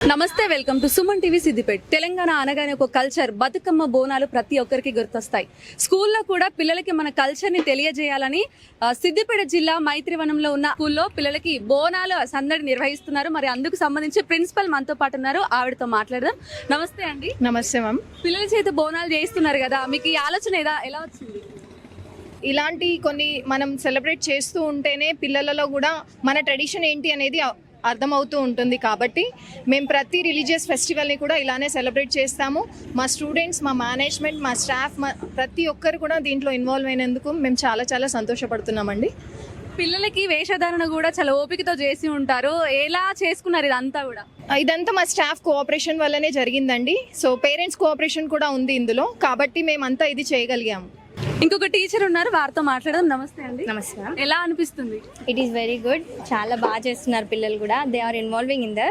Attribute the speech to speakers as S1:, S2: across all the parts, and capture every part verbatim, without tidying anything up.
S1: నమస్తే, welcome to Suman TV Siddipet. Telangana అనగానే ఒక కల్చర్, బతుకమ్మ బోనాలు ప్రతి ఒక్కరికి గుర్తొస్తాయి. స్కూల్లో కూడా పిల్లలకి మన కల్చర్ ని తెలియజేయాలని సిద్దిపేట జిల్లా మైత్రివనంలో ఉన్న స్కూల్లో పిల్లలకి బోనాలు సందడి నిర్వహిస్తున్నారు. మరి అందుకు సంబంధించి ప్రిన్సిపల్ మనతో పాటు ఉన్నారు, ఆవిడతో మాట్లాడదాం. నమస్తే అండి.
S2: నమస్తే మ్యామ్.
S1: పిల్లల చేత బోనాలు చేస్తున్నారు కదా, మీకు ఈ ఆలోచన ఏదా- ఎలా వచ్చింది?
S2: ఇలాంటి కొన్ని మనం సెలబ్రేట్ చేస్తూ ఉంటేనే పిల్లలలో కూడా మన ట్రెడిషన్ ఏంటి అనేది అ- అర్థమవుతూ ఉంటుంది. కాబట్టి మేము ప్రతి రిలీజియస్ ఫెస్టివల్ని కూడా ఇలానే సెలబ్రేట్ చేస్తాము. మా స్టూడెంట్స్, మా మేనేజ్మెంట్, మా స్టాఫ్, మా ప్రతి ఒక్కరు కూడా దీంట్లో ఇన్వాల్వ్ అయినందుకు మేము చాలా చాలా సంతోషపడుతున్నామండి.
S1: పిల్లలకి వేషధారణ కూడా చాలా ఓపికతో చేసి ఉంటారు. ఎలా చేసుకున్నారు ఇదంతా కూడా?
S2: ఇదంతా మా స్టాఫ్ కోఆపరేషన్ వల్లనే జరిగిందండి. సో పేరెంట్స్ కోఆపరేషన్ కూడా ఉంది ఇందులో, కాబట్టి మేమంతా ఇది చేయగలిగాము.
S1: ఇంకొక టీచర్ ఉన్నారు, వారితో మాట్లాడదాం. నమస్తే అండి.
S3: నమస్కారం.
S1: ఎలా అనిపిస్తుంది?
S3: It is very good. చాలా బాగా చేస్తున్నారు పిల్లలు కూడా. They are involving in the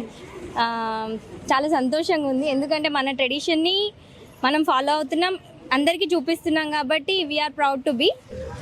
S3: చాలా సంతోషంగా ఉంది. ఎందుకంటే మన ట్రెడిషన్ని మనం ఫాలో అవుతున్నాం, అందరికీ చూపిస్తున్నాం కాబట్టి వీఆర్ ప్రౌడ్ టు బీ.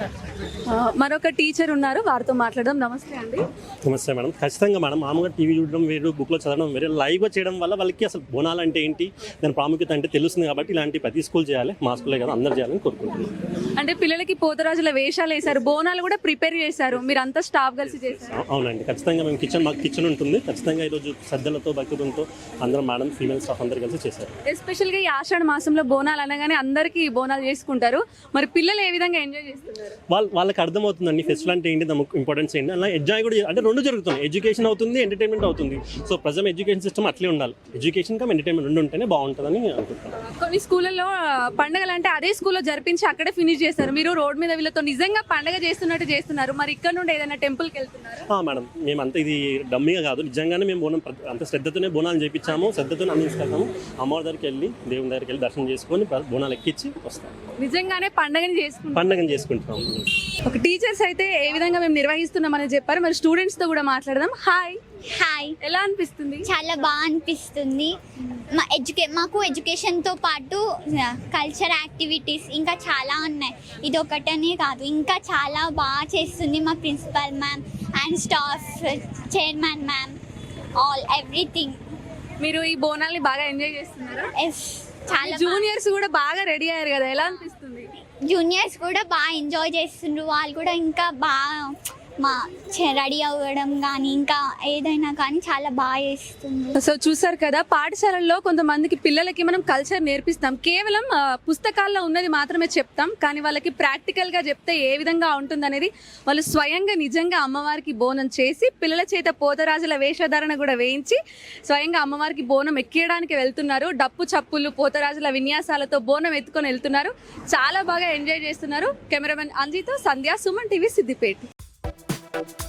S1: మరొక టీచర్ ఉన్నారు, వారితో మాట్లాడదాం. నమస్తే అండి.
S4: నమస్తే మేడం. ఖచ్చితంగా మేడం, మామూలుగా టీవీ చూడడం వేరు, బుక్లో చదవడం వేరే, లైవ్గా చేయడం వల్ల వాళ్ళకి అసలు బోనాలు అంటే ఏంటి, దాని ప్రాముఖ్యత అంటే తెలుస్తుంది. కాబట్టి ఇలాంటి ప్రతి స్కూల్ చేయాలి, మా స్కూలే కదా అందరు చేయాలని కోరుకుంటున్నాను.
S1: అంటే పిల్లలకి పోతరాజుల వేషాలు వేశారు, బోనాలు కూడా ప్రిపేర్ చేశారు, మీరు అంతా స్టాఫ్ కలిసి చేశారు.
S4: అవునండి, ఖచ్చితంగా మేము కిచెన్, మాకు కిచెన్ ఉంటుంది. ఖచ్చితంగా ఈరోజు శ్రద్ధలతో, భక్తులతో అందరం మేడం, ఫీమేల్ స్టాఫ్ అందరు కలిసి చేశారు.
S1: ఎస్పెషల్గా ఈ ఆషాఢ మాసంలో బోనాలు అనగానే అందరికీ బోనాలు చేసుకుంటారు. మరి పిల్లలు ఏ విధంగా ఎంజాయ్ చేస్తున్నారు?
S4: వాళ్ళ వాళ్ళకి అర్థమవుతుందండి ఫెస్టివల్ అంటే ఏంటి, దాని ఇంపార్టెన్స్ ఏంటి, అలా ఎంజాయ్ కూడా అంటే రెండు జరుగుతుంది. ఎడ్యుకేషన్ అవుతుంది, ఎంటర్టైన్మెంట్ అవుతుంది. సో ప్రజెంట్ ఎడ్యుకేషన్ సిస్టమ్ అట్లే ఉండాలి. ఎడ్యుకేషన్ కమ్ ఎంటర్టైన్మెంట్ రెండు ఉంటేనే బాగుంటుందని అనుకుంటున్నాను.
S1: కొన్ని స్కూళ్ళల్లో పండుగలు అంటే అదే స్కూల్లో జరిపించి అక్కడే ఫినిష్ చేస్తారు. మీరు రోడ్ మీద వీళ్ళతో నిజంగా పండుగ చేస్తున్నట్టు చేస్తున్నారు. మరి ఇక్కడ నుండి ఏదైనా టెంపుల్కి వెళ్తున్నారు?
S4: మేడం, మేము అంత ఇది డమ్మీగా కాదు, నిజంగానే మేము బోనం అంత శ్రద్ధతోనే బోనాలు చేయించాము, శ్రద్ధతోనే అన్ని తీసుకెళ్తాము. అమ్మవారి దగ్గరికి వెళ్ళి, దేవుని దగ్గరికి వెళ్ళి దర్శనం చేసుకొని బోనాలు ఎక్కించి వస్తాం.
S1: నిజంగానే పండుగని చేసుకుంటాం
S4: పండుగను చేసుకుంటున్నాం.
S1: ఒక టీచర్స్ అయితే ఏ విధంగా మేము నిర్వహిస్తున్నామని చెప్పారు. మరి స్టూడెంట్స్ తో కూడా మాట్లాడదాం. హాయ్.
S5: హాయ్.
S1: ఎలా అనిపిస్తుంది?
S5: చాలా బాగా అనిపిస్తుంది. మా ఎడ్యుకే మాకు ఎడ్యుకేషన్తో పాటు కల్చర్ యాక్టివిటీస్ ఇంకా చాలా ఉన్నాయి. ఇది ఒకటనే కాదు, ఇంకా చాలా బాగా చేస్తుంది మా principal ma'am and staff, chairman ma'am, all everything.
S1: మీరు ఈ బోనాల్ని బాగా ఎంజాయ్ చేస్తున్నారా?
S5: ఎస్, చాలా.
S1: జూనియర్స్ కూడా బాగా రెడీ అయ్యారు కదా, ఎలా అనిపిస్తుంది?
S5: జూనియర్స్ కూడా బాగా ఎంజాయ్ చేస్తుండ్రు. వాళ్ళు కూడా ఇంకా బాగా మా రెడీ అవ్వడం కానీ ఇంకా ఏదైనా కానీ చాలా బాగా చేస్తుంది.
S1: సో చూసారు కదా, పాఠశాలల్లో కొంతమందికి పిల్లలకి మనం కల్చర్ నేర్పిస్తాం. కేవలం ఆ, పుస్తకాల్లో ఉన్నది మాత్రమే చెప్తాం, కానీ వాళ్ళకి ప్రాక్టికల్ గా చెప్తే ఏ విధంగా ఉంటుంది అనేది వాళ్ళు స్వయంగా నిజంగా అమ్మవారికి బోనం చేసి పిల్లల చేత పోతరాజుల వేషధారణ కూడా వేయించి స్వయంగా అమ్మవారికి బోనం ఎక్కియడానికి వెళ్తున్నారు. డప్పు చప్పులు, పోతరాజుల విన్యాసాలతో బోనం ఎత్తుకొని వెళ్తున్నారు. చాలా బాగా ఎంజాయ్ చేస్తున్నారు. కెమెరామెన్ అంజితో సంధ్య, సుమన్ టీవీ సిద్దిపేట.